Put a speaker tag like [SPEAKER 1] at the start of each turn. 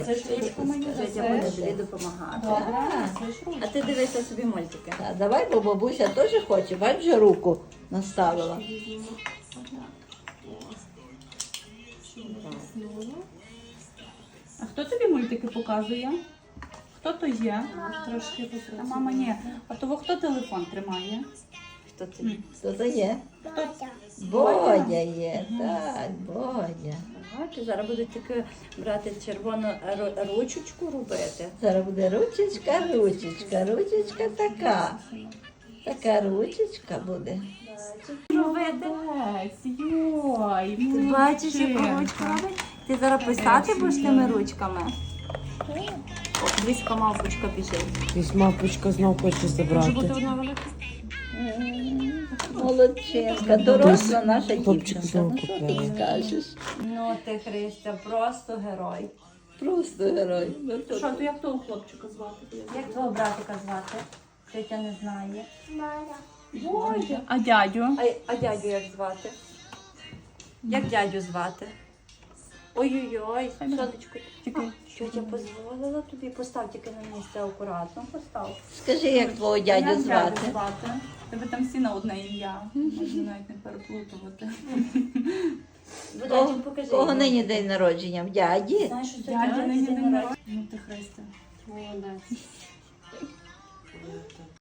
[SPEAKER 1] Це ж ручку мені
[SPEAKER 2] Життя буде тобі допомагати.
[SPEAKER 1] Добре, це ж
[SPEAKER 2] А
[SPEAKER 1] ручку.
[SPEAKER 2] ти дивися собі мультики.
[SPEAKER 3] А давай, бо бабуся теж хоче. Бач, вже руку наставила.
[SPEAKER 1] А хто тобі мультики показує? Хто то є?
[SPEAKER 4] Трошки
[SPEAKER 1] А мама ні. А того хто телефон тримає?
[SPEAKER 2] Хто це?
[SPEAKER 3] Хто це є?
[SPEAKER 4] Бодя.
[SPEAKER 3] Бодя є, так, Бодя.
[SPEAKER 2] Ага, ти зараз будуть тільки брати червону ручечку робити.
[SPEAKER 3] Зараз буде ручечка, ручечка, ручечка така. Така ручечка буде.
[SPEAKER 2] Робити.
[SPEAKER 1] Молодець, йой,
[SPEAKER 2] Ти бачиш, яку ручку робить? Ти зараз писати будеш тими ручками? О, близько мавпочка біжить.
[SPEAKER 5] Якась мавпочка знов хоче забрати.
[SPEAKER 1] одна велика.
[SPEAKER 3] Молодчинка, доросла наша
[SPEAKER 5] Хлопчик
[SPEAKER 3] дівчинка.
[SPEAKER 5] знову
[SPEAKER 3] Ну що ти
[SPEAKER 5] купила.
[SPEAKER 3] скажеш?
[SPEAKER 2] Ну ти, Христя, просто герой.
[SPEAKER 3] Просто герой. Ну, то-
[SPEAKER 1] Що, то як того хлопчика звати?
[SPEAKER 2] Як твого братика звати? Тетя не знає.
[SPEAKER 1] Боже. А дядю?
[SPEAKER 2] А дядю як звати? Як дядю звати? Ой-ой-ой, сонечко.
[SPEAKER 1] Чекай.
[SPEAKER 2] Тетя дозволила тобі, постав тільки на місце акуратно, постав.
[SPEAKER 3] Скажи, як твого дядю
[SPEAKER 1] Як
[SPEAKER 3] звати?
[SPEAKER 1] Тебе там всі на одне ім'я. Можна навіть не переплутувати.
[SPEAKER 2] Будачик, покажи.
[SPEAKER 3] Кого
[SPEAKER 2] йому.
[SPEAKER 3] нині день народження? В дяді?
[SPEAKER 2] Знаєш, що це
[SPEAKER 1] Дядя
[SPEAKER 2] дядя
[SPEAKER 1] нині
[SPEAKER 2] день
[SPEAKER 1] день
[SPEAKER 2] народження?
[SPEAKER 1] народження. Ну ти Христя. Молодець.